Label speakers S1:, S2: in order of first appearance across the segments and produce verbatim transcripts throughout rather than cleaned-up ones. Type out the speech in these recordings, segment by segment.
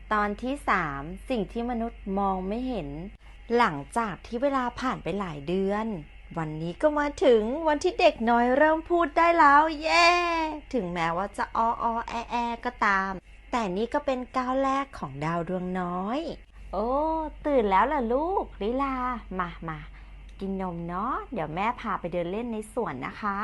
S1: ตอนที่สามสิ่งที่มนุษย์มองไม่เห็นหลังจากที่เวลาผ่านไปหลายเดือนวันนี้ก็มาถึงวันที่เด็กน้อยเริ่มพูดได้แล้วเย้ถึงแม้ว่าจะอ้ออแอแอก็ตามแต่นี่ก็เป็นก้าวแรกของดาวดวงน้อยโอ้ตื่นแล้วล่ะลูกลิลามามากินนมเนาะเดี๋ยวแม่พาไปเดินเล่นในสวนนะคะ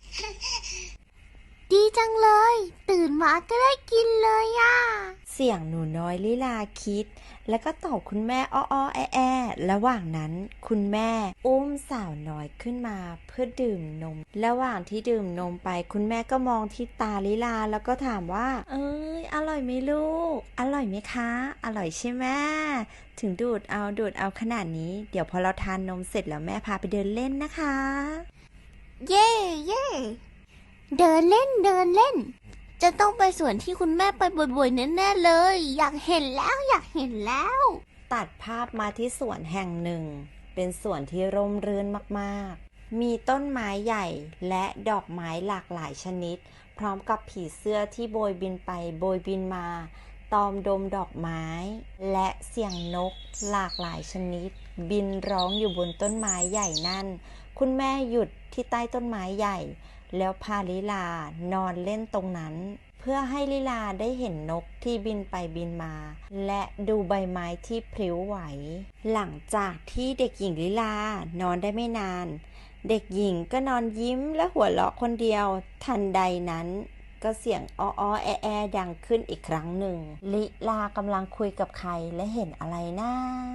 S2: ดีจังเลยตื่นมาก็ได้กินเลยอ่ะ
S1: เสียงหนูน้อยลิลาคิดแล้วก็ตอบคุณแม่อ้ออแอแอระหว่างนั้นคุณแม่อุ้มสาวน้อยขึ้นมาเพื่อดื่มนมระหว่างที่ดื่มนมไปคุณแม่ก็มองที่ตาลิลาแล้วก็ถามว่าเอ้ยอร่อยไหมลูกอร่อยไหมคะอร่อยใช่ไหมถึงดูดเอาดูดเอาขนาดนี้เดี๋ยวพอเราทานนมเสร็จแล้วแม่พาไปเดินเล่นนะคะ
S2: เย่เย่เดินเล่นเดินเล่นจะต้องไปสวนที่คุณแม่ไปบ่อยๆแน่ๆเลยอยากเห็นแล้วอยากเห็นแล้ว
S1: ตัดภาพมาที่สวนแห่งหนึ่งเป็นสวนที่ร่มรื่นมากๆมีต้นไม้ใหญ่และดอกไม้หลากหลายชนิดพร้อมกับผีเสื้อที่โบยบินไปโบยบินมาตอมดมดอกไม้และเสียงนกหลากหลายชนิดบินร้องอยู่บนต้นไม้ใหญ่นั่นคุณแม่หยุดที่ใต้ต้นไม้ใหญ่แล้วพาลิลานอนเล่นตรงนั้นเพื่อให้ลิลาได้เห็นนกที่บินไปบินมาและดูใบไม้ที่พลิ้วไหวหลังจากที่เด็กหญิงลิลานอนได้ไม่นานเด็กหญิงก็นอนยิ้มและหัวเราะคนเดียวทันใดนั้นก็เสียงอ้ออแอแอดังขึ้นอีกครั้งหนึ่งลิลากำลังคุยกับใครและเห็นอะไรนะ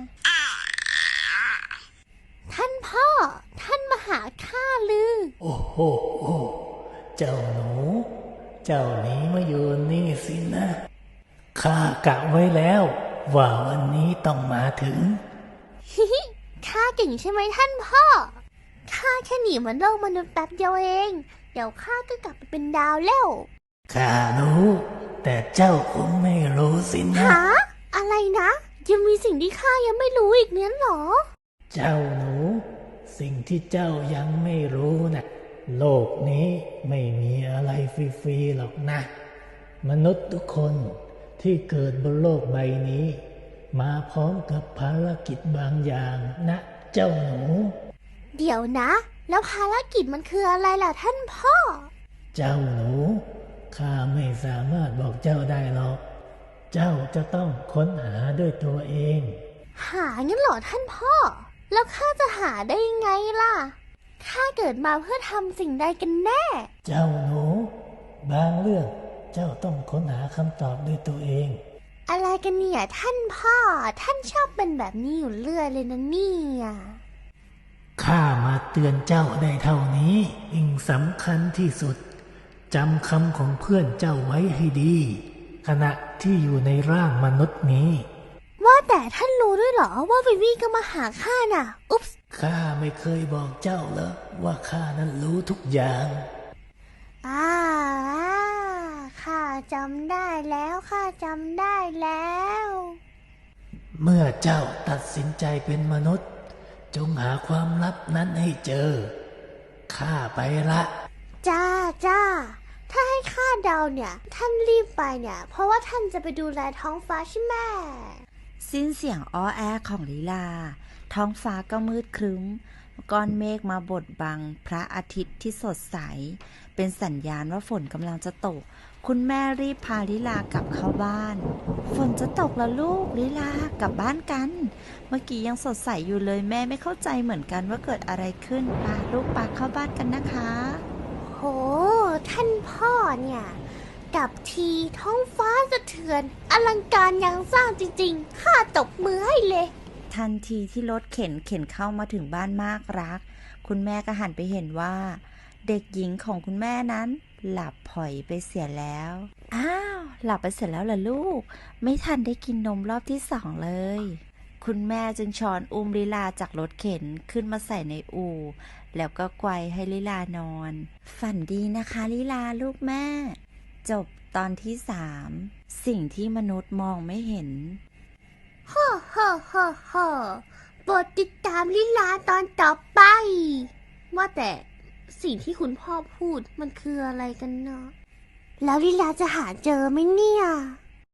S2: ท่านพ่อท่านมาหาข้าลือ
S3: โอ้โหเจ้าหนูเจ้าหนีมาอยู่นี่สินะข้ากะไว้แล้วว่าวันนี้ต้องมาถึง
S2: ฮิฮิข้าเก่งใช่ไหมท่านพ่อข้าแค่หนีมาโลกมนุษย์แป๊บเดียวเองเดี๋ยวข้าก็กลับไปเป็นดาวแล้ว
S3: ข้ารู้แต่เจ้าคงไม่รู้สินะ
S2: ฮะอะไรนะยังมีสิ่งที่ข้ายังไม่รู้อีกเนี่ยหรอ
S3: เจ้าหนูสิ่งที่เจ้ายังไม่รู้นะโลกนี้ไม่มีอะไรฟรีๆหรอกนะมนุษย์ทุกคนที่เกิดบนโลกใบนี้มาพร้อมกับภารกิจบางอย่างนะเจ้าหนู
S2: เดี๋ยวนะแล้วภารกิจมันคืออะไรล่ะท่านพ่อ
S3: เจ้าหนูข้าไม่สามารถบอกเจ้าได้หรอกเจ้าจะต้องค้นหาด้วยตัวเอง
S2: หางั้นเหรอท่านพ่อแล้วข้าจะหาได้ยังไงล่ะข้าเกิดมาเพื่อทำสิ่งใดกันแน่
S3: เจ้าหนูบางเรื่องเจ้าต้องค้นหาคำตอบด้วยตัวเอง
S2: อะไรกันเนี่ยท่านพ่อท่านชอบเป็นแบบนี้อยู่เรื่อยเลยนะเนี่ย
S3: ข้ามาเตือนเจ้าได้เท่านี้สิ่งสำคัญที่สุดจำคำของเพื่อนเจ้าไว้ให้ดีขณะที่อยู่ในร่างมนุษย์นี้
S2: ว่าแต่ท่านรู้ด้วยเหรอว่าวิวีก็มาหาข้าน่ะอุ๊บ
S3: ข้าไม่เคยบอกเจ้าเหรอว่าข้านั้นรู้ทุกอย่าง
S2: อ่าข้าจำได้แล้วข้าจำได้แล้ว
S3: เมื่อเจ้าตัดสินใจเป็นมนุษย์จงหาความลับนั้นให้เจอข้าไปละ
S2: จ้าจ้าถ้าให้ข้าเดาเนี่ยท่านรีบไปเนี่ยเพราะว่าท่านจะไปดูแลท้องฟ้าใช่ไหม
S1: สิ้นเสียงอ้อแอของลีลาท้องฟ้าก็มืดครึ้มก้อนเมฆมาบดบังพระอาทิตย์ที่สดใสเป็นสัญญาณว่าฝนกำลังจะตกคุณแม่รีบพาลิลากลับเข้าบ้านฝนจะตกแล้วลูกลิลากลับบ้านกันเมื่อกี้ยังสดใสอยู่เลยแม่ไม่เข้าใจเหมือนกันว่าเกิดอะไรขึ้นพาลูกปาเข้าบ้านกันนะคะ
S2: โหท่านพ่อเนี่ยกับทีท้องฟ้าสะเทือนอลังการยังสร้างจริงๆข้าตบมือให้เลย
S1: ทันทีที่รถเข็นเข็นเข้ามาถึงบ้านมากรักคุณแม่ก็หันไปเห็นว่าเด็กหญิงของคุณแม่นั้นหลับผ่อยไปเสียแล้วอ้าวหลับไปเสร็จแล้วล่ะลูกไม่ทันได้กินนมรอบที่สองเลยคุณแม่จึงช้อนอุ้มลิลาจากรถเข็นขึ้นมาใส่ในอู่แล้วก็ไกวให้ลิลานอนฝันดีนะคะลิลาลูกแม่จบตอนที่สามสิ่งที่มนุษย์มองไม่เห็น
S2: ฮ่าฮ่าฮ่าฮ่าโปรดติดตามลิลาตอนต่อไปว่าแต่สิ่งที่คุณพ่อพูดมันคืออะไรกันเนาะแล้วลิลาจะหาเจอไหมเนี่ย